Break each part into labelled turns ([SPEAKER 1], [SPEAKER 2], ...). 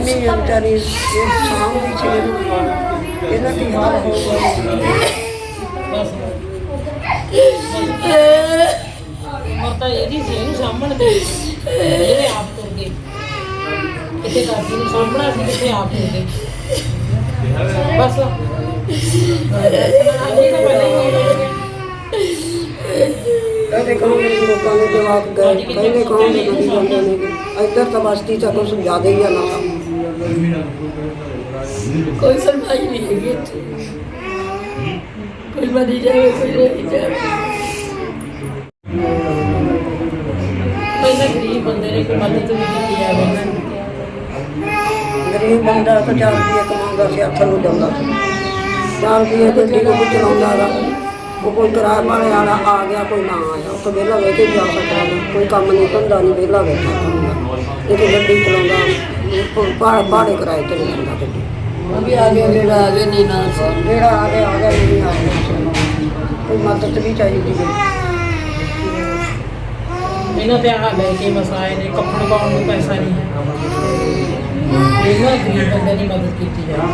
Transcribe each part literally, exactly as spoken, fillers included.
[SPEAKER 1] ਇੰਨੀ ਵਿਚਾਰੀ ਸਾਂਭਦੀ ਸੀ ਇਹਦਾ ਕੀ ਹਾਲ ਹੋਊਗਾ।
[SPEAKER 2] ਮਰਤਾ ਇਹਦੀ ਸੀ ਇਹਨੂੰ ਸਾਂਭਣ ਦੇ ਇਹਦੇ ਆਪ ਤੁਰ ਗਏ ਕਿਤੇ ਦਾਦੀ ਨੂੰ ਸਾਂਭਣਾ ਸੀ ਕਿਤੇ ਆਪ ਤੁਰ ਗਏ ਬਸ
[SPEAKER 1] ਕਹਿੰਦੇ ਕਹੋਗੇ ਲੋਕਾਂ ਦੇ ਜਵਾਬ ਗਏ ਕਹਿੰਦੇ ਕਹੋਗੇ ਨਦੀ ਜਾਂਦੇ ਨੇ ਇੱਧਰ ਤਾਂ ਬਸਤੀ ਚ ਕੁਛ ਜ਼ਿਆਦਾ ਹੀ ਆ ਨਾ
[SPEAKER 3] ਕੋਈ ਸੁਣਵਾਈ ਨਹੀਂ ਹੈਗੀ ਇੱਥੇ ਕੋਈ ਮਰੀ ਜਾਵੇ ਕੋਈ ਰਹੀ ਜਾਵੇ
[SPEAKER 2] ਪਹਿਲਾਂ ਗਰੀਬ ਬੰਦੇ ਨੇ ਕੋਈ ਮਦਦ ਵੀ ਕੀਤੀ ਜਾਵੇ
[SPEAKER 1] ਗਰੀਬ ਬੰਦਾ ਤਾਂ ਚਾਰ ਰੁਪਏ ਕਮਾਉਂਦਾ ਸੀ ਹੱਥ ਨੂੰ ਜਾਂਦਾ ਸੀ ਚਾਰ ਰੁਪਏ ਗੱਡੀ ਨੂੰ ਵੀ ਚਲਾਉਂਦਾ ਗਾ ਉਹ ਕੋਈ ਕਿਰਾਏ ਵਾਲੇ ਵਾਲਾ ਆ ਗਿਆ ਕੋਈ ਨਾ ਆਇਆ ਉਹ ਤਾਂ ਵਿਹਲਾ ਵੇਖ ਕੇ ਜਾ ਸਕਦਾ ਕੋਈ ਕੰਮ ਨਹੀਂ ਧੰਦਾ ਨਹੀਂ ਵਿਹਲਾ ਬੈਠਾ ਹੁੰਦਾ ਇਹ ਤਾਂ ਗੱਡੀ ਚਲਾਉਂਦਾ ਭਾੜੇ ਕਿਰਾਏ ਤੇ ਨਹੀਂ ਜਾਂਦਾ ਗੱਡੀ
[SPEAKER 3] ਉਹ ਵੀ ਆ ਗਿਆ ਜਿਹੜਾ ਆ ਗਿਆ ਨਹੀਂ ਨਾ ਸੀ
[SPEAKER 1] ਜਿਹੜਾ ਆ ਗਿਆ ਆ ਗਿਆ ਨਹੀਂ ਆ ਗਿਆ ਕੋਈ ਮਦਦ ਵੀ ਚਾਹੀਦੀ ਹੈ
[SPEAKER 2] ਇਹਨਾਂ ਤੇ ਆਹ ਲੈ ਕੇ ਮਸਾਏ ਨੇ ਕੱਪੜੇ ਪਾਉਣ ਨੂੰ ਪੈਸਾ ਨਹੀਂ ਹੈ ਇਹਨਾਂ ਗਰੀਬ ਬੰਦੇ ਦੀ ਮਦਦ ਕੀਤੀ ਜਾਵੇ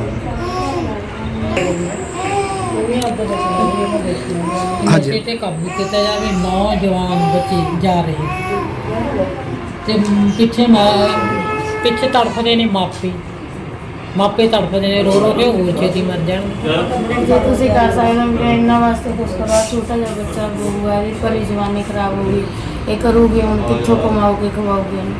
[SPEAKER 4] ਹਾਂਜੀ।
[SPEAKER 2] ਨਸ਼ੇ ਤੇ ਕਾਬੂ ਕੀਤਾ ਜਾਵੇ ਨੌਜਵਾਨ ਬੱਚੇ ਜਾ ਰਹੇ ਤੇ ਪਿੱਛੇ ਮਾ- ਪਿੱਛੇ ਤੜਫਦੇ ਨੇ ਮਾਪੇ ਮਾਪੇ ਤੜਫਦੇ ਨੇ ਰੋ ਰੋ ਕੇ ਹੋਰ ਛੇਤੀ ਮਰ ਜਾਣ
[SPEAKER 5] ਜੇ ਤੁਸੀਂ ਕਰ ਸਕਦੇ ਹੋ ਮੇਰੇ ਇਹਨਾਂ ਵਾਸਤੇ ਕੁਛ ਕਰਵਾ ਛੋਟਾ ਜਿਹਾ ਬੱਚਾ ਬਹੂ ਹੈ ਇਹਦੀ ਪਰੀ ਜਵਾਨੀ ਖਰਾਬ ਹੋ ਗਈ ਇਹ ਕਰੂਗੀ ਹੁਣ ਕਿੱਥੋਂ ਕਮਾਓਗੇ ਖਵਾਓਗੇ ਉਹਨੂੰ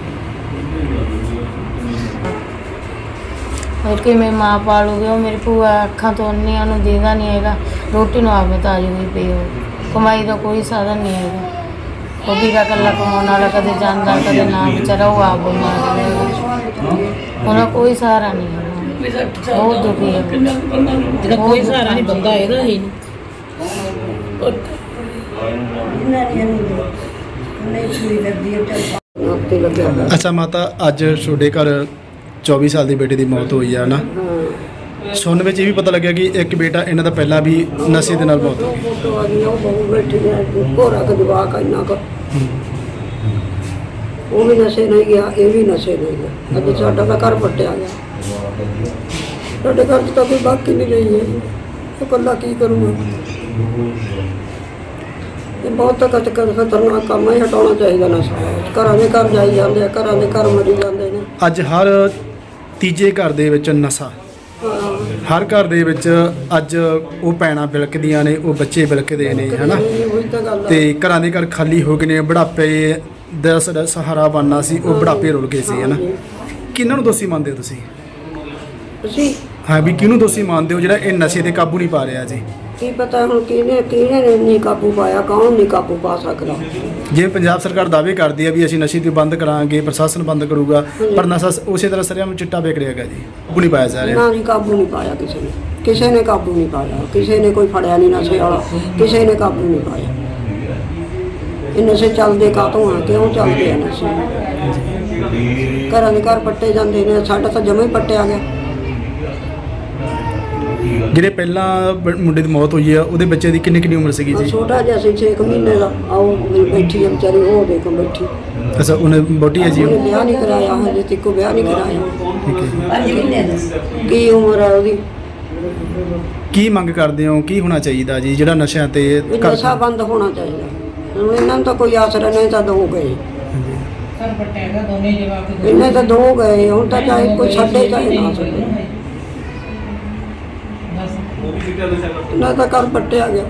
[SPEAKER 5] और मैं माँ पालूगी वो मेरी भूआ अखा तो अन्नी उन्होंने देता नहीं है रोटी ना आप ताजूगी पे हो कमाई का कोई साधन नहीं है वो भी का कला कमाने वाला कदे जाता कदे ना बेचारा वो आप बीमार उन्हें कोई सहारा नहीं है बहुत दुखी है
[SPEAKER 2] ਜਿਹੜਾ ਕੋਈ ਸਹਾਰਾ ਨਹੀਂ ਬੰਦਾ ਇਹਦਾ ਹੀ ਨਹੀਂ
[SPEAKER 1] ਆਪੇ ਲੱਗਿਆ ਹੋਇਆ।
[SPEAKER 4] ਅੱਛਾ ਮਾਤਾ ਅੱਜ ਤੁਹਾਡੇ ਘਰ ਚੌਵੀ ਸਾਲ ਦੀ ਬੇਟੀ ਦੀ ਮੌਤ ਹੋਈ ਆ ਨਾ
[SPEAKER 1] ਹਾਂ
[SPEAKER 4] ਸੁਣਨ ਵਿੱਚ ਇਹ ਵੀ ਪਤਾ ਲੱਗਿਆ ਕਿ ਇੱਕ ਬੇਟਾ ਇਹਨਾਂ ਦਾ ਪਹਿਲਾਂ ਵੀ ਨਸ਼ੇ ਦੇ ਨਾਲ ਮੌਤ ਹੋ ਗਈ।
[SPEAKER 1] ਫੋਟੋ ਆ ਗਈ ਉਹ ਬਹੁ ਬੈਠੀ ਹੈ ਘੋੜਾ ਕ ਜਵਾਕ ਇੰਨਾ ਕੁ ਉਹ ਵੀ ਨਸ਼ੇ ਨਹੀਂ ਗਿਆ ਇਹ ਵੀ ਨਸ਼ੇ ਨਹੀਂ ਗਿਆ ਅੱਜ ਸਾਡਾ ਤਾਂ ਘਰ ਪੱਟਿਆ ਗਿਆ ਸਾਡੇ ਘਰ 'ਚ ਤਾਂ ਕੋਈ ਬਾਕੀ ਨਹੀਂ ਰਹੀ ਹੈ ਉਹ ਇਕੱਲਾ ਕੀ ਕਰੂਗਾ ਇਹ ਬਹੁਤ ਤੱਕ ਖਤਰਨਾਕ ਕੰਮ ਹੈ ਹਟਾਉਣਾ ਚਾਹੀਦਾ ਨਸ਼ਾ ਘਰਾਂ ਦੇ ਘਰ ਜਾਈ ਜਾਂਦੇ ਆ ਘਰਾਂ ਦੇ ਘਰ ਮਰੀ ਜਾਂਦੇ ਨੇ
[SPEAKER 4] ਅੱਜ ਹਰ ਤੀਜੇ ਘਰ ਦੇ ਵਿੱਚ ਨਸ਼ਾ
[SPEAKER 1] ਹਾਂ
[SPEAKER 4] ਹਰ ਘਰ ਦੇ ਵਿੱਚ ਅੱਜ ਉਹ ਭੈਣਾਂ ਬਿਲਕਦੀਆਂ ਨੇ ਉਹ ਬੱਚੇ ਬਿਲਕਦੇ ਨੇ ਹਨਾ
[SPEAKER 1] ਉਹੀ ਤਾਂ ਗੱਲ ਆ
[SPEAKER 4] ਤੇ ਘਰਾਂ ਦੇ ਘਰ ਖਾਲੀ ਹੋ ਗਏ ਨੇ ਬੁਢਾਪੇ ਦਾ ਸਾਡਾ ਸਹਾਰਾ ਬਣਨਾ ਸੀ ਉਹ ਬੁਢਾਪੇ ਰੁਲ ਗਏ ਸੀ ਹਨਾ ਕਿਹਨਾਂ ਨੂੰ ਦੋਸ਼ੀ ਮੰਨਦੇ ਹੋ ਤੁਸੀਂ
[SPEAKER 1] ਅਸੀਂ
[SPEAKER 4] ਹਾਂ ਵੀ ਕਿਹਨੂੰ ਦੋਸ਼ੀ ਮੰਨਦੇ ਹੋ ਜਿਹੜਾ ਇਹ ਨਸ਼ੇ ਤੇ ਕਾਬੂ ਨਹੀਂ ਪਾ ਰਿਹਾ ਜੀ
[SPEAKER 1] ਕੀ ਪਤਾ ਹੁਣ ਕਿਹਨੇ ਕਿਹਨੇ ਨੇ ਨਹੀਂ ਕਾਬੂ ਪਾਇਆ ਕੌਣ ਨਹੀਂ ਕਾਬੂ ਪਾ ਸਕਦਾ
[SPEAKER 4] ਜੇ ਪੰਜਾਬ ਸਰਕਾਰ ਦਾਅਵੇ ਕਰਦੀ ਹੈ ਵੀ ਅਸੀਂ ਨਸ਼ੇ ਤੇ ਬੰਦ ਕਰਾਂਗੇ ਪ੍ਰਸ਼ਾਸਨ ਬੰਦ ਕਰੂਗਾ ਪਰ ਨਸ਼ਾ ਉਸੇ ਤਰ੍ਹਾਂ ਸਰਿਆਮ ਚਿੱਟਾ ਵੇਚ ਰਿਹਾ ਹੈਗਾ ਜੀ ਕਾਬੂ ਨਹੀਂ ਪਾਇਆ ਜਾ ਰਿਹਾ
[SPEAKER 1] ਨਾ ਨਹੀਂ ਕਾਬੂ ਨਹੀਂ ਪਾਇਆ ਕਿਸੇ ਨੇ ਕਿਸੇ ਨੇ ਕਾਬੂ ਨਹੀਂ ਪਾਇਆ ਕਿਸੇ ਨੇ ਕੋਈ ਫੜਿਆ ਨਹੀਂ ਨਸ਼ੇ ਵਾਲਾ ਕਿਸੇ ਨੇ ਕਾਬੂ ਨਹੀਂ ਪਾਇਆ ਇਹ ਨਸ਼ੇ ਚੱਲਦੇ ਕਾਹਤੋਂ ਆ ਕਿਉਂ ਚੱਲਦੇ ਆ ਨਸ਼ੇ ਘਰਾਂ ਦੇ ਘਰ ਪੱਟੇ ਜਾਂਦੇ ਨੇ ਸਾਡਾ ਤਾਂ ਜਮਾ ਹੀ ਪੱਟਿਆ ਗਿਆ
[SPEAKER 4] ਜਿਹੜੇ ਪਹਿਲਾਂ ਬ- ਮੁੰਡੇ ਦੀ ਮੌਤ ਹੋਈ ਆ ਉਹਦੇ ਬੱਚੇ ਦੀ ਕਿੰਨੀ ਕਿੰਨੀ ਉਮਰ ਸੀਗੀ
[SPEAKER 1] ਉਹ
[SPEAKER 4] ਜੀ
[SPEAKER 1] ਛੋਟਾ ਜਿਹਾ ਸੀ ਛੇ ਕੁ ਮਹੀਨੇ ਦਾ ਆਓ ਮੇਰੀ ਬੈਠੀ ਆ ਵਿਚਾਰੀ ਉਹ ਦੇਖੋ ਬੈਠੀ
[SPEAKER 4] ਅੱਛਾ ਉਹਨੇ ਬੋਟੀ ਹੈ ਜੀ
[SPEAKER 1] ਉਹਨੇ
[SPEAKER 4] ਉਹ?
[SPEAKER 1] ਵਿਆਹ ਨਹੀਂ ਕਰਾਇਆ ਹਜੇ ਤੱਕ ਵਿਆਹ ਨਹੀਂ ਕਰਾਇਆ
[SPEAKER 4] ਠੀਕ ਹੈ
[SPEAKER 1] ਕੀ ਉਮਰ ਆ ਉਹਦੀ
[SPEAKER 4] ਕੀ ਮੰਗ ਕਰਦੇ ਹੋ ਕੀ ਹੋਣਾ ਚਾਹੀਦਾ ਜੀ ਜਿਹੜਾ ਨਸ਼ਿਆਂ ਤੇ
[SPEAKER 1] ਇਹ
[SPEAKER 4] ਕਰ-
[SPEAKER 1] ਨਸ਼ਾ ਬੰਦ ਹੋਣਾ ਚਾਹੀਦਾ ਹੁਣ ਇਹਨਾਂ ਨੂੰ ਤਾਂ ਕੋਈ ਆਸਰਾ ਨਹੀਂ ਤਾਂ ਦੋ ਗਏ
[SPEAKER 4] ਹਾਂਜੀ।
[SPEAKER 2] ਸਰ ਪਟਿਆਗਾ ਦੋਨੇ ਜਵਾਕ
[SPEAKER 1] ਇਹਨੇ ਤਾਂ ਦੋ ਗਏ ਹੁਣ ਤਾਂ ਚਾਹੇ ਕੋਈ ਛੱਡੇ ਚਾਹੇ ਨਾ ਛੱਡੇ ਇਹਨਾਂ ਦਾ ਘਰ ਪੱਟਿਆ ਗਿਆ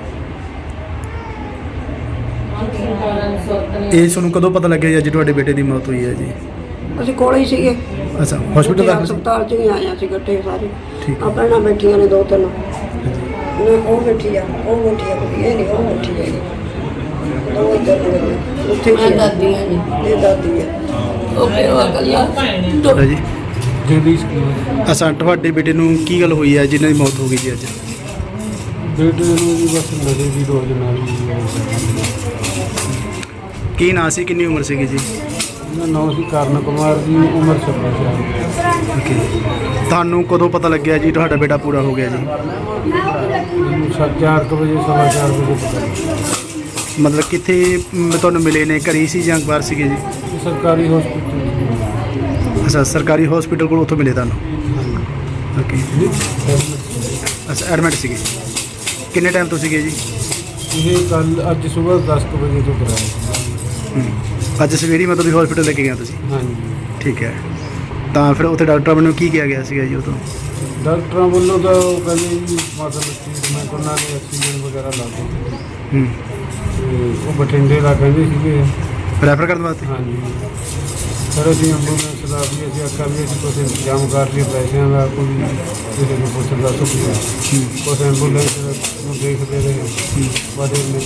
[SPEAKER 4] ਇਹ ਤੁਹਾਨੂੰ ਕਦੋਂ ਪਤਾ ਲੱਗਿਆ ਜੀ ਅੱਜ ਤੁਹਾਡੇ ਬੇਟੇ ਦੀ ਮੌਤ ਹੋਈ ਹੈ ਜੀ
[SPEAKER 1] ਅਸੀਂ ਕੋਲੇ ਹੀ ਸੀਗੇ
[SPEAKER 4] ਅੱਛਾ ਹਸਪੀਟਲ ਦਾ
[SPEAKER 1] ਹਸਪਤਾਲ ਚ ਹੀ ਆਏ ਅਸੀਂ ਇਕੱਠੇ ਸਾਰੇ
[SPEAKER 4] ਠੀਕ ਹੈ।
[SPEAKER 1] ਆਪਣੇ ਨਾਲ ਬੈਠੀਆਂ ਨੇ ਦੋ ਤਿੰਨ ਨਾ ਉਹ ਬੈਠੀ ਆ ਉਹ ਬੈਠੀ ਆ ਕੁੜੀ, ਇਹ ਨਹੀਂ ਉਹ ਬੈਠੀ ਆ ਦੋ ਇੱਧਰ ਨੇ ਉੱਥੇ
[SPEAKER 3] ਮੈਂ ਦਾਦੀ ਹਾਂ ਜੀ
[SPEAKER 1] ਇਹ ਦਾਦੀ ਆ
[SPEAKER 3] ਉਹ ਪਿਓ ਅਕਲਾ
[SPEAKER 4] ਤੁਹਾਡਾ ਜੀ
[SPEAKER 6] ਜਗਦੀਸ਼
[SPEAKER 4] ਅਸਾਂ ਤੁਹਾਡੇ ਬੇਟੇ ਨੂੰ ਕੀ ਗੱਲ ਹੋਈ ਹੈ ਜਿਨ੍ਹਾਂ ਦੀ ਮੌਤ ਹੋ ਗਈ ਜੀ ਅੱਜ
[SPEAKER 6] ਬੇਟੇ ਨੂੰ ਵੀ ਬਸ ਨਸ਼ੇ ਦੀ ਡੋਜ਼ ਨਾਲ
[SPEAKER 4] ਕੀ ਨਾਂ ਸੀ ਕਿੰਨੀ ਉਮਰ ਸੀਗੀ ਜੀ
[SPEAKER 6] ਇਹਨਾਂ ਨਾਮ ਸੀ ਕਰਨ ਕੁਮਾਰ ਦੀ ਉਮਰ ਛੱਬੀ ਸਾਲ
[SPEAKER 4] ਓਕੇ ਤੁਹਾਨੂੰ ਕਦੋਂ ਪਤਾ ਲੱਗਿਆ ਜੀ ਤੁਹਾਡਾ ਬੇਟਾ ਪੂਰਾ ਹੋ ਗਿਆ ਜੀ
[SPEAKER 6] ਮੈਨੂੰ ਸੱਤ ਚਾਰ ਕੁ ਵਜੇ ਸਵਾ ਚਾਰ ਵਜੇ ਪਤਾ ਲੱਗਿਆ।
[SPEAKER 4] ਮਤਲਬ ਕਿੱਥੇ ਮ, ਤੁਹਾਨੂੰ ਮਿਲੇ ਨੇ ਘਰੀ ਸੀ ਜਾਂ ਬਾਹਰ ਸੀਗੇ ਜੀ
[SPEAKER 6] ਸਰਕਾਰੀ ਹਸਪਤਾਲ
[SPEAKER 4] ਅੱਛਾ ਸਰਕਾਰੀ ਹਸਪੀਟਲ ਕੋਲ ਉੱਥੋਂ ਮਿਲੇ ਤੁਹਾਨੂੰ? ਓਕੇ। ਅੱਛਾ ਐਡਮਿਟ ਸੀਗੇ, ਕਿੰਨੇ ਟਾਈਮ ਤੋਂ ਸੀਗੇ ਜੀ?
[SPEAKER 6] ਇਹ ਕੱਲ ਅੱਜ ਸਵੇਰ ਦਸ ਕੁ ਵਜੇ ਤੋਂ ਕਰਾਇਆ।
[SPEAKER 4] ਹੂੰ। ਅੱਜ ਸਵੇਰੇ ਮਤਲਬ ਵੀ ਹਸਪੀਟਲ ਲੈ ਕੇ ਗਿਆ ਤੁਸੀਂ?
[SPEAKER 6] ਹਾਂਜੀ।
[SPEAKER 4] ਠੀਕ ਹੈ, ਤਾਂ ਫਿਰ ਉੱਥੇ ਡਾਕਟਰ ਵੱਲੋਂ ਕੀ ਕਿਹਾ ਗਿਆ ਸੀਗਾ ਜੀ ਉਦੋਂ?
[SPEAKER 6] ਡਾਕਟਰਾਂ ਵੱਲੋਂ ਤਾਂ ਉਹ ਕਹਿੰਦੇ ਜੀ ਮਤਲਬ ਟ੍ਰੀਟਮੈਂਟ ਉਹਨਾਂ ਨੇ ਆਕਸੀਜਨ ਵਗੈਰਾ ਲਾ ਦਿੱਤੀ
[SPEAKER 4] ਹੂੰ।
[SPEAKER 6] ਤੇ ਉਹ ਬਠਿੰਡੇ ਦਾ ਕਹਿੰਦੇ ਸੀਗੇ।
[SPEAKER 4] ਰੈਫਰ ਕਰਨ ਵਾਸਤੇ?
[SPEAKER 6] ਹਾਂਜੀ। ਫਿਰ ਅਸੀਂ ਐਂਬੂਲੈਂਸ ਦਾ ਵੀ ਅਸੀਂ ਆਖਿਆ ਵੀ ਅਸੀਂ ਕੁਛ ਇੰਤਜ਼ਾਮ ਕਰ ਲਈਏ ਪੈਸਿਆਂ ਦਾ, ਕੋਈ ਕਿਸੇ ਨੂੰ ਪੁੱਛਣ ਦਾ ਸੁਪਨਾ ਕੁਛ ਐਂਬੂਲੈਂਸ ਨੂੰ ਦੇਖਦੇ ਰਹੇ ਬੜੇ ਨੇ।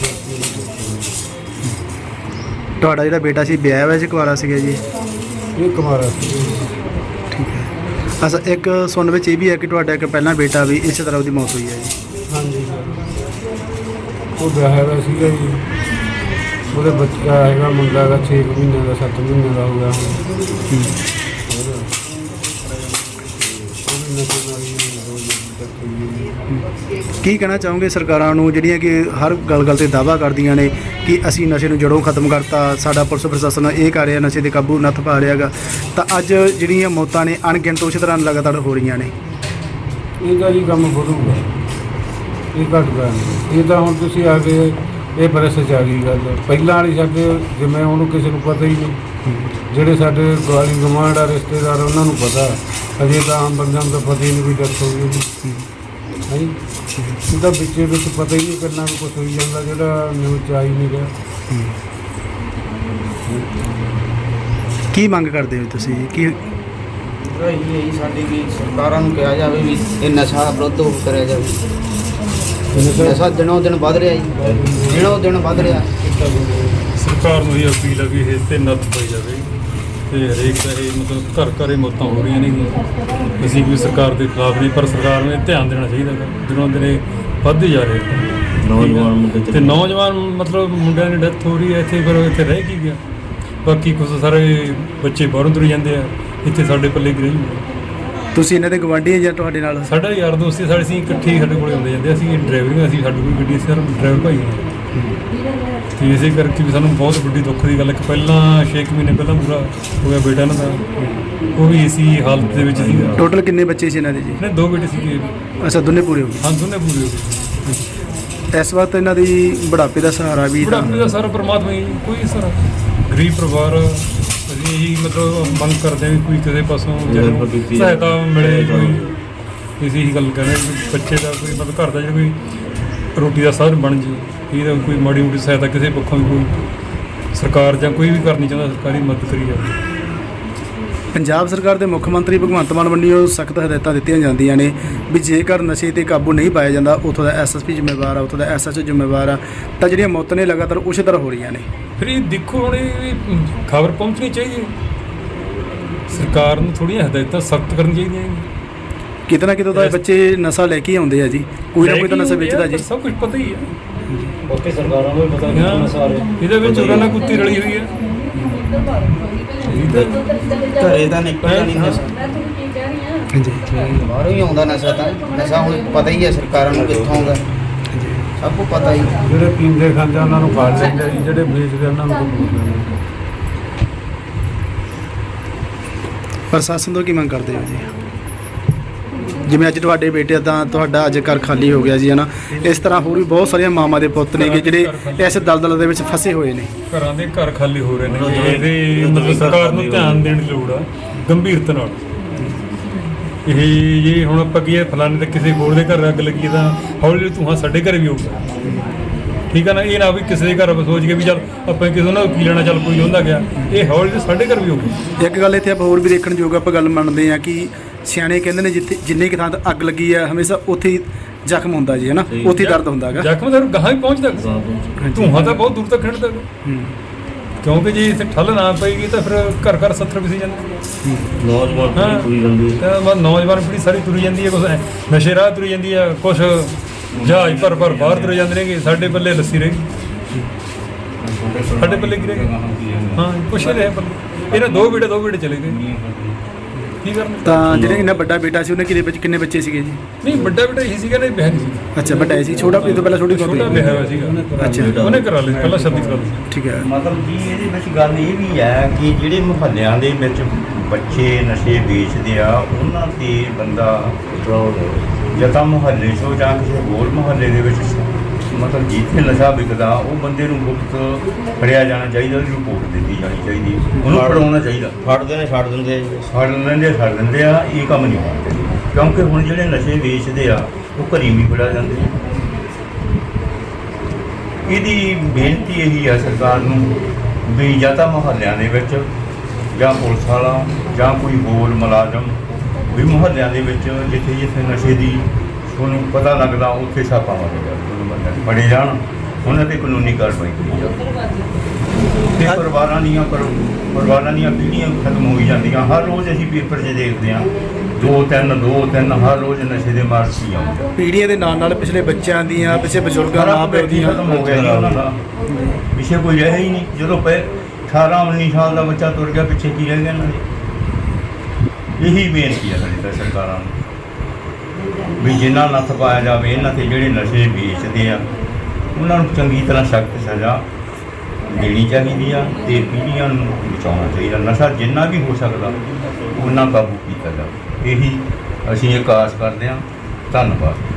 [SPEAKER 4] ਤੁਹਾਡਾ ਜਿਹੜਾ ਬੇਟਾ ਸੀ ਵਿਆਹਿਆ ਹੋਇਆ ਸੀ ਕੁਆਰਾ ਸੀਗਾ ਜੀ?
[SPEAKER 6] ਇਹ ਕੁਮਾਰਾ ਸੀ।
[SPEAKER 4] ਠੀਕ ਹੈ। ਅੱਛਾ ਇੱਕ ਸੁਣਨ ਵਿੱਚ ਇਹ ਵੀ ਹੈ ਕਿ ਤੁਹਾਡਾ ਇੱਕ ਪਹਿਲਾਂ ਬੇਟਾ ਵੀ ਇਸੇ ਤਰ੍ਹਾਂ ਉਹਦੀ ਮੌਤ ਹੋਈ ਹੈ ਜੀ?
[SPEAKER 6] ਹਾਂਜੀ ਉਹ ਵਿਆਹਿਆ ਹੋਇਆ ਸੀਗਾ ਜੀ। ਉਹਦੇ ਬੱਚਾ ਹੈਗਾ ਮੁੰਡਾ ਹੈਗਾ ਛੇ ਕੁ ਮਹੀਨੇ ਦਾ, ਸੱਤ ਮਹੀਨੇ ਦਾ ਹੋ ਗਿਆ ਹੁਣ। ਉਹਦਾ ਉਹ ਵੀ ਨਸ਼ੇ ਨਾਲ ਹੀ ਹੋ ਗਈ।
[SPEAKER 4] ਕੀ ਕਹਿਣਾ ਚਾਹੋਗੇ ਸਰਕਾਰਾਂ ਨੂੰ ਜਿਹੜੀਆਂ ਕਿ ਹਰ ਗੱਲ ਗੱਲ ਤੇ ਦਾਅਵਾ ਕਰਦੀਆਂ ਨੇ ਕਿ ਅਸੀਂ ਨਸ਼ੇ ਨੂੰ ਜੜੋਂ ਖਤਮ ਕਰਤਾ, ਸਾਡਾ ਪੁਲਿਸ ਪ੍ਰਸ਼ਾਸਨ ਇਹ ਕਰ ਰਿਹਾ, ਨਸ਼ੇ 'ਤੇ ਕਾਬੂ ਨੱਥ ਪਾ ਰਿਹਾ ਗਾ, ਤਾਂ ਅੱਜ ਜਿਹੜੀਆਂ ਮੌਤਾਂ ਨੇ ਅਣਗਿਣਤ ਉਸੇ ਤਰ੍ਹਾਂ ਲਗਾਤਾਰ ਹੋ ਰਹੀਆਂ ਨੇ?
[SPEAKER 6] ਇਹ ਤਾਂ ਜੀ ਕੰਮ ਵਧੂਗਾ, ਇਹ ਘਟਦਾ ਨਹੀਂ। ਇਹ ਤਾਂ ਹੁਣ ਤੁਸੀਂ ਆ ਕੇ ਇਹ ਪ੍ਰੈਸ 'ਚ ਆ ਗਈ ਗੱਲ। ਪਹਿਲਾਂ ਵਾਲੀ ਸਾਡੇ ਜਿਵੇਂ ਉਹਨੂੰ ਕਿਸੇ ਨੂੰ ਪਤਾ ਹੀ ਨਹੀਂ, ਜਿਹੜੇ ਸਾਡੇ ਗਵਾਲੀ ਗਵਾਂਢ ਆ ਰਿਸ਼ਤੇਦਾਰ ਉਹਨਾਂ ਨੂੰ ਪਤਾ, ਅਜੇ ਤਾਂ ਆਮ ਬੰਦਿਆਂ ਨੂੰ ਤਾਂ ਪਤਾ ਹੀ ਨਹੀਂ ਵੀ ਡੈਥ ਹੋ ਗਈ ਉਹਦੀ। ਹਾਂਜੀ, ਇਹਦਾ ਵਿੱਚੇ ਵਿੱਚ ਪਤਾ ਹੀ ਨਹੀਂ ਕਿੰਨਾ ਕੁ ਕੁਛ ਹੋਈ ਜਾਂਦਾ ਜਿਹੜਾ ਨਿਊਜ਼ 'ਚ ਆ ਹੀ ਨਹੀਂ ਰਿਹਾ।
[SPEAKER 4] ਕੀ ਮੰਗ ਕਰਦੇ ਹੋ ਤੁਸੀਂ? ਕੀ
[SPEAKER 7] ਇਹੀ ਹੈ ਜੀ ਸਾਡੀ ਵੀ ਸਰਕਾਰਾਂ ਨੂੰ ਕਿਹਾ ਜਾਵੇ ਵੀ ਇਹ ਨਸ਼ਾ ਵਿਰੁੱਧ ਕਰਿਆ ਜਾਵੇ। ਨਸ਼ਾ ਦਿਨੋਂ ਦਿਨ ਵੱਧ ਰਿਹਾ ਜੀ, ਦਿਨੋਂ ਦਿਨ ਵੱਧ ਰਿਹਾ।
[SPEAKER 8] ਸਰਕਾਰ ਨੂੰ ਇਹ ਅਪੀਲ ਹੈ ਵੀ ਇਸ 'ਤੇ ਨੱਥ ਪਾਈ ਜਾਵੇ ਤੇ ਹਰੇਕ ਦਾ ਇਹ ਮਤਲਬ ਘਰ ਘਰ ਇਹ ਮੌਤਾਂ ਹੋ ਰਹੀਆਂ ਨੇ। ਅਸੀਂ ਵੀ ਸਰਕਾਰ ਦੇ ਖਿਲਾਫ ਨਹੀਂ, ਪਰ ਸਰਕਾਰ ਨੂੰ ਇਹ ਧਿਆਨ ਦੇਣਾ ਚਾਹੀਦਾ ਹੈ। ਦਿਨੋਂ ਦਿਨ ਇਹ ਵੱਧਦੇ ਜਾ ਰਹੇ ਨੌਜਵਾਨ ਮੁੰਡੇ ਤੇ ਨੌਜਵਾਨ ਮਤਲਬ ਮੁੰਡਿਆਂ ਦੀ ਡੈਥ ਹੋ ਰਹੀ ਹੈ ਇੱਥੇ, ਫਿਰ ਇੱਥੇ ਰਹਿ ਕੀ ਗਿਆ? ਬਾਕੀ ਕੁਛ ਸਾਰੇ ਬੱਚੇ ਬਾਹਰੋਂ ਤੁਰ ਜਾਂਦੇ ਆ, ਇੱਥੇ ਸਾਡੇ ਪੱਲੇ ਕੀ ਰਹੀ।
[SPEAKER 4] ਤੁਸੀਂ ਇਹਨਾਂ ਦੇ ਗਵਾਂਢੀ ਜਾਂ ਤੁਹਾਡੇ ਨਾਲ?
[SPEAKER 8] ਸਾਡਾ ਯਾਰ ਦੋਸਤ ਸੀ, ਸਾਡੇ ਅਸੀਂ ਇਕੱਠੇ ਸਾਡੇ ਕੋਲੇ ਆਉਂਦੇ ਜਾਂਦੇ। ਅਸੀਂ ਡਰਾਈਵਰਿੰਗ, ਅਸੀਂ ਸਾਡੀ ਕੋਈ ਗੱਡੀ, ਅਸੀਂ ਡਰਾਈਵਰ ਭਾਈ ਹਾਂ। ਅਤੇ ਇਸੇ ਕਰਕੇ ਵੀ ਸਾਨੂੰ ਬਹੁਤ ਵੱਡੀ ਦੁੱਖ ਦੀ ਗੱਲ ਹੈ ਕਿ ਪਹਿਲਾਂ ਛੇ ਕੁ ਮਹੀਨੇ ਪਹਿਲਾਂ ਪੂਰਾ ਹੋ ਗਿਆ ਬੇਟਾ ਇਹਨਾਂ ਦਾ, ਉਹ ਵੀ ਇਸੀ ਹਾਲਤ ਦੇ ਵਿੱਚ ਸੀ।
[SPEAKER 4] ਟੋਟਲ ਕਿੰਨੇ ਬੱਚੇ ਸੀ ਇਹਨਾਂ ਦੇ ਜੀ?
[SPEAKER 8] ਇਹਨੇ ਦੋ ਬੇਟੇ ਸੀਗੇ।
[SPEAKER 4] ਅੱਛਾ ਦੋਨੇ ਪੂਰੇ ਹੋ
[SPEAKER 8] ਹਾਂ ਦੋਨੇ ਪੂਰੇ ਹੋ ਗਏ।
[SPEAKER 4] ਗਏ। ਇਸ ਵਕਤ ਇਹਨਾਂ ਦੀ ਬੁਢਾਪੇ ਦਾ ਸਹਾਰਾ ਵੀ?
[SPEAKER 8] ਬੁਢਾਪੇ ਦਾ ਸਾਰਾ ਪਰਮਾਤਮਾ ਹੀ, ਕੋਈ ਸਾਰਾ ਗਰੀਬ ਪਰਿਵਾਰ। ਅਸੀਂ ਇਹੀ ਮਤਲਬ ਮੰਗ ਕਰਦੇ ਹਾਂ ਵੀ ਕੋਈ ਕਿਸੇ ਪਾਸੋਂ ਜਿਹੜੀ ਸਹਾਇਤਾ ਮਿਲੇ। ਕੋਈ ਅਸੀਂ ਇਹੀ ਗੱਲ ਕਹਿੰਦੇ ਵੀ ਬੱਚੇ ਦਾ ਕੋਈ ਮਤਲਬ ਘਰ ਦਾ ਜਿਹੜਾ ਕੋਈ ਰੋਟੀ ਦਾ ਸਾਧਨ ਬਣ ਜੇ, ਇਹਦਾ ਕੋਈ ਮਾੜੀ ਮੋਟੀ ਸਹਾਇਤਾ ਕਿਸੇ ਪੱਖੋਂ ਵੀ ਕੋਈ ਸਰਕਾਰ ਜਾਂ ਕੋਈ ਵੀ ਕਰਨੀ ਚਾਹੁੰਦਾ, ਸਰਕਾਰੀ ਮਦਦ ਕਰੀ ਜਾਵੇ।
[SPEAKER 4] ਪੰਜਾਬ ਸਰਕਾਰ ਦੇ ਮੁੱਖ ਮੰਤਰੀ ਭਗਵੰਤ ਮਾਨ ਵੱਲੋਂ ਸਖਤ ਹਦਾਇਤਾਂ ਦਿੱਤੀਆਂ ਜਾਂਦੀਆਂ ਨੇ ਵੀ ਜੇਕਰ ਨਸ਼ੇ 'ਤੇ ਕਾਬੂ ਨਹੀਂ ਪਾਇਆ ਜਾਂਦਾ, ਉੱਥੋਂ ਦਾ ਐਸ ਐਸ ਪੀ ਜ਼ਿੰਮੇਵਾਰ ਆ, ਉੱਥੋਂ ਦਾ ਐਸ ਐਚ ਓ ਜ਼ਿੰਮੇਵਾਰ ਆ, ਤਾਂ ਜਿਹੜੀਆਂ ਮੌਤਾਂ ਨੇ ਲਗਾਤਾਰ ਉਸੇ ਤਰ੍ਹਾਂ ਹੋ ਰਹੀਆਂ ਨੇ।
[SPEAKER 8] ਫਿਰ ਇਹ ਦੇਖੋ ਹੁਣ ਇਹ ਖਬਰ ਪਹੁੰਚਣੀ ਚਾਹੀਦੀ ਹੈ, ਸਰਕਾਰ ਨੂੰ ਥੋੜ੍ਹੀਆਂ ਹਦਾਇਤਾਂ ਸਖਤ ਕਰਨੀਆਂ ਚਾਹੀਦੀਆਂ।
[SPEAKER 4] ਕਿਤੇ ਨਾ ਕਿਤੇ ਤਾਂ ਬੱਚੇ ਨਸ਼ਾ ਲੈ ਕੇ ਆਉਂਦੇ ਆ ਜੀ, ਕੋਈ ਨਾ ਕੋਈ ਤਾਂ ਨਸ਼ਾ ਵੇਚਦਾ ਜੀ।
[SPEAKER 8] ਸਭ ਕੁਝ ਪਤਾ ਹੀ ਹੈ,
[SPEAKER 7] ਉੱਥੇ ਸਰਕਾਰਾਂ ਨੂੰ ਪਤਾ
[SPEAKER 8] ਇਹਦੇ ਵਿੱਚ ਉਹਨਾਂ ਨਾਲ ਕੁੱਤੀ ਰਲੀ ਹੋਈ ਹੈ।
[SPEAKER 7] ਘਰੇ ਤਾਂ ਨਿਕਲਦਾ ਨਹੀਂ ਨਸ਼ਾ, ਬਾਹਰੋਂ ਹੀ ਆਉਂਦਾ ਨਸ਼ਾ। ਤਾਂ ਨਸ਼ਾ ਹੁਣ ਪਤਾ ਹੀ ਹੈ ਸਰਕਾਰਾਂ ਨੂੰ ਕਿੱਥੋਂ ਆਉਂਦਾ, ਸਭ ਕੁਝ ਪਤਾ ਹੀ।
[SPEAKER 6] ਜਿਹੜੇ ਪੀਂਦੇ ਖਾਂਦੇ ਉਹਨਾਂ ਨੂੰ ਫੜ ਲੈਂਦੇ ਜੀ, ਜਿਹੜੇ ਵੇਚਦੇ ਉਹਨਾਂ ਨੂੰ ਕੋਈ ਪੁੱਛਦਾ ਨਹੀਂ।
[SPEAKER 4] ਪ੍ਰਸ਼ਾਸਨ ਤੋਂ ਕੀ ਮੰਗ ਕਰਦੇ ਹੋ ਜੀ? ਜਿਵੇਂ ਅੱਜ ਤੁਹਾਡੇ ਬੇਟੇ ਦਾ, ਤੁਹਾਡਾ ਅੱਜ ਘਰ ਖਾਲੀ ਹੋ ਗਿਆ ਜੀ, ਹੈ ਨਾ, ਇਸ ਤਰ੍ਹਾਂ ਹੋਰ ਵੀ ਬਹੁਤ ਸਾਰੀਆਂ ਮਾਵਾਂ ਦੇ ਪੁੱਤ ਨੇ ਜਿਹੜੇ ਇਸ ਦਲਦਲ ਦੇ ਵਿੱਚ ਫਸੇ ਹੋਏ ਨੇ।
[SPEAKER 8] ਘਰਾਂ ਦੇ ਘਰ ਖਾਲੀ ਹੋ ਰਹੇ ਨੇ। ਇਹਦੇ ਮਤਲਬ ਸਰਕਾਰ ਨੂੰ ਧਿਆਨ ਦੇਣ ਦੀ ਲੋੜ ਆ ਗੰਭੀਰਤਾ ਨਾਲ। ਇਹ ਜੇ ਹੁਣ ਆਪਾਂ ਕੀ ਹੈ ਫਲਾਣੇ ਤੇ ਕਿਸੇ ਹੋਰ ਦੇ ਘਰ ਅੱਗ ਲੱਗੀ ਤਾਂ ਹੌਲੀ ਤੂੰ ਹਾਂ ਸਾਡੇ ਘਰ ਵੀ ਹੋਊਗਾ, ਠੀਕ ਆ ਨਾ। ਇਹ ਨਾ ਵੀ ਕਿਸੇ ਦੇ ਘਰ ਸੋਚ ਕੇ ਵੀ ਚੱਲ ਆਪਾਂ ਕਿਸੇ ਉਹਨਾਂ ਨੂੰ ਕੀ ਲੈਣਾ, ਚੱਲ ਕੋਈ ਹੁੰਦਾ ਗਿਆ, ਇਹ ਹੌਲੀ ਸਾਡੇ ਘਰ ਵੀ ਹੋਊਗਾ।
[SPEAKER 4] ਇੱਕ ਗੱਲ ਇੱਥੇ ਆਪਾਂ ਹੋਰ ਵੀ ਦੇਖਣ ਯੋਗ ਆਪਾਂ ਗੱਲ ਮੰਨਦੇ ਹਾਂ ਕਿ ਸਿਆਣੇ ਕਹਿੰਦੇ ਨੇ ਜਿੱਥੇ ਜਿੰਨੇ ਕੁ ਥਾਂ ਤੇ ਅੱਗ ਲੱਗੀ ਆ ਹਮੇਸ਼ਾ ਉੱਥੇ ਹੀ ਜ਼ਖਮ ਹੁੰਦਾ ਜੀ, ਹੈ ਨਾ, ਉੱਥੇ ਹੀ ਦਰਦ ਹੁੰਦਾ ਹੈਗਾ।
[SPEAKER 8] ਜ਼ਖਮ ਤਾਂ ਗਾਹਾਂ ਹੀ ਪਹੁੰਚਦਾ, ਧੂੰਆਂ ਤਾਂ ਬਹੁਤ ਦੂਰ ਤੱਕ ਖਿੰਡਦਾ, ਕਿਉਂਕਿ ਜੇ ਇੱਥੇ ਠੱਲ ਨਾ ਪਏਗੀ ਤਾਂ ਫਿਰ ਘਰ ਘਰ ਸੱਥਰ ਵਿਸੀ ਜਾਂਦੇ ਨੌਜਵਾਨ ਪੀੜ੍ਹੀ ਤੁਰੀ ਜਾਂਦੀ ਹੈ। ਨੌਜਵਾਨ ਪੀੜ੍ਹੀ ਸਾਰੀ ਤੁਰੀ ਜਾਂਦੀ ਹੈ, ਕੁਛ ਨਸ਼ੇ ਰਾਹ ਤੁਰੀ ਜਾਂਦੀ ਹੈ, ਕੁਛ ਜਹਾਜ਼ ਭਰ ਭਰ ਬਾਹਰ ਤੁਰੇ ਜਾਂਦੇ ਨੇਗੇ। ਸਾਡੇ ਪੱਲੇ ਲੱਸੀ ਰਹੇਗੀ, ਸਾਡੇ ਪੱਲੇ ਕੀ ਰਹੇਗਾ? ਹਾਂ ਕੁਛ ਨਹੀਂ ਰਿਹਾ ਪੱਲੇ। ਇਹਨਾਂ ਦੋ ਬੇਟੇ ਦੋ ਬੇਟੇ ਚਲੇ ਗਏ। ਕੀ ਕਰਨ
[SPEAKER 4] ਤਾਂ ਜਿਹੜੇ ਇਹਨਾਂ ਵੱਡਾ ਬੇਟਾ ਸੀ ਉਹਨੇ ਕਿੰਨੇ ਬੱਚੇ ਕਿੰਨੇ ਬੱਚੇ ਸੀਗੇ ਜੀ?
[SPEAKER 8] ਨਹੀਂ ਵੱਡਾ ਬੇਟਾ ਇਹੀ ਸੀਗਾ ਨਾ ਵਿਆਹ ਨਹੀਂ ਸੀ
[SPEAKER 4] ਅੱਛਾ ਵੱਡਾ ਸੀ, ਛੋਟਾ ਇਹ ਤੋਂ ਪਹਿਲਾਂ ਛੋਟੀ
[SPEAKER 8] ਛੋਟਾ
[SPEAKER 4] ਛੋਟੀ
[SPEAKER 8] ਵਿਆਹ ਹੋਇਆ ਸੀਗਾ
[SPEAKER 4] ਅੱਛਾ
[SPEAKER 8] ਉਹਨੇ ਕਰਾ ਲਿਆ ਪਹਿਲਾਂ ਸ਼ਾਦੀ ਕਰਾ ਲਈ
[SPEAKER 4] ਠੀਕ ਹੈ।
[SPEAKER 9] ਮਤਲਬ ਜੀ ਇਹਦੇ ਵਿੱਚ ਗੱਲ ਇਹ ਵੀ ਹੈ ਕਿ ਜਿਹੜੇ ਮੁਹੱਲਿਆਂ ਦੇ ਵਿੱਚ ਬੱਚੇ ਨਸ਼ੇ ਵੇਚਦੇ ਆ ਉਹਨਾਂ ਤੇ ਬੰਦਾ ਜਾਂ ਤਾਂ ਮੁਹੱਲੇ 'ਚੋਂ ਜਾਂ ਕਿਸੇ ਹੋਰ ਮੁਹੱਲੇ ਦੇ ਵਿੱਚ ਮਤਲਬ ਜਿੱਥੇ ਨਸ਼ਾ ਵਿਕਦਾ ਉਹ ਬੰਦੇ ਨੂੰ ਗੁਪਤ ਫੜਿਆ ਜਾਣਾ ਚਾਹੀਦਾ, ਉਹਦੀ ਰਿਪੋਰਟ ਦਿੱਤੀ ਜਾਣੀ ਚਾਹੀਦੀ, ਉਹਨੂੰ ਫੜਾਉਣਾ ਚਾਹੀਦਾ। ਫੜਦੇ ਨੇ ਛੱਡ ਦਿੰਦੇ ਆ ਜੀ। ਫੜ ਲੈਂਦੇ ਛੱਡ ਦਿੰਦੇ ਆ, ਇਹ ਕੰਮ ਨਹੀਂ ਹੋਣਾ ਚਾਹੀਦਾ ਕਿਉਂਕਿ ਹੁਣ ਜਿਹੜੇ ਨਸ਼ੇ ਵੇਚਦੇ ਆ ਉਹ ਘਰੀ ਵੀ ਫੜਾ ਜਾਂਦੇ ਆ। ਇਹਦੀ ਬੇਨਤੀ ਇਹੀ ਆ ਸਰਕਾਰ ਨੂੰ ਵੀ ਜਾਂ ਤਾਂ ਮੁਹੱਲਿਆਂ ਦੇ ਵਿੱਚ ਜਾਂ ਪੁਲਿਸ ਵਾਲਾ ਜਾਂ ਕੋਈ ਹੋਰ ਮੁਲਾਜ਼ਮ ਵੀ ਮੁਹੱਲਿਆਂ ਦੇ ਵਿੱਚ ਜਿੱਥੇ ਜਿੱਥੇ ਨਸ਼ੇ ਦੀ ਤੁਹਾਨੂੰ ਪਤਾ ਲੱਗਦਾ ਉੱਥੇ ਛਾਪਾ ਮਾਰੇਗਾ, ਉਹਨੂੰ ਬੰਦੇ ਫੜੇ ਜਾਣ, ਉਹਨਾਂ ਤੇ ਕਾਨੂੰਨੀ ਕਾਰਵਾਈ ਕੀਤੀ ਜਾਵੇ। ਤੇ ਪਰਿਵਾਰਾਂ ਦੀਆਂ ਪਰ ਪਰਿਵਾਰਾਂ ਦੀਆਂ ਪੀੜ੍ਹੀਆਂ ਖਤਮ ਹੋਈ ਜਾਂਦੀਆਂ। ਹਰ ਰੋਜ਼ ਅਸੀਂ ਪੇਪਰ 'ਚ ਦੇਖਦੇ ਹਾਂ ਦੋ ਤਿੰਨ ਦੋ ਤਿੰਨ ਹਰ ਰੋਜ਼ ਨਸ਼ੇ ਦੇ ਮਾਰ ਸੀ ਆਉਂਦੇ।
[SPEAKER 4] ਪੀੜ੍ਹੀਆਂ ਦੇ ਨਾਲ ਨਾਲ ਪਿਛਲੇ ਬੱਚਿਆਂ ਦੀਆਂ ਪਿਛਲੇ ਬਜ਼ੁਰਗਾਂ ਮਾਂ ਪਿਓ ਦੀਆਂ
[SPEAKER 9] ਖਤਮ ਹੋ ਗਿਆ ਜੀ ਉਹਨਾਂ ਦਾ, ਪਿੱਛੇ ਕੋਈ ਰਿਹਾ ਹੀ ਨਹੀਂ। ਜਦੋਂ ਪਏ ਅਠਾਰਾਂ ਉੱਨੀ ਸਾਲ ਦਾ ਬੱਚਾ ਤੁਰ ਗਿਆ, ਪਿੱਛੇ ਕੀ ਰਹਿ ਗਿਆ ਇਹਨਾਂ ਦੇ? ਇਹੀ ਬੇਨਤੀ ਹੈ ਸਾਡੀ ਤਾਂ ਸਰਕਾਰਾਂ ਨੂੰ ਵੀ ਜਿਨ੍ਹਾਂ ਨੱਥ ਪਾਇਆ ਜਾਵੇ ਇਹਨਾਂ ਤੇ ਜਿਹੜੇ ਨਸ਼ੇ ਵੇਚਦੇ ਆ ਉਹਨਾਂ ਨੂੰ ਚੰਗੀ ਤਰ੍ਹਾਂ ਸਖਤ ਸਜ਼ਾ ਦੇਣੀ ਚਾਹੀਦੀ ਆ ਤੇ ਪੀੜ੍ਹੀਆਂ ਨੂੰ ਬਚਾਉਣਾ ਚਾਹੀਦਾ। ਨਸ਼ਾ ਜਿੰਨਾ ਵੀ ਹੋ ਸਕਦਾ ਉਹਨਾਂ ਕਾਬੂ ਕੀਤਾ ਜਾਵੇ, ਇਹੀ ਅਸੀਂ ਇਹ ਆਸ ਕਰਦੇ ਹਾਂ। ਧੰਨਵਾਦ।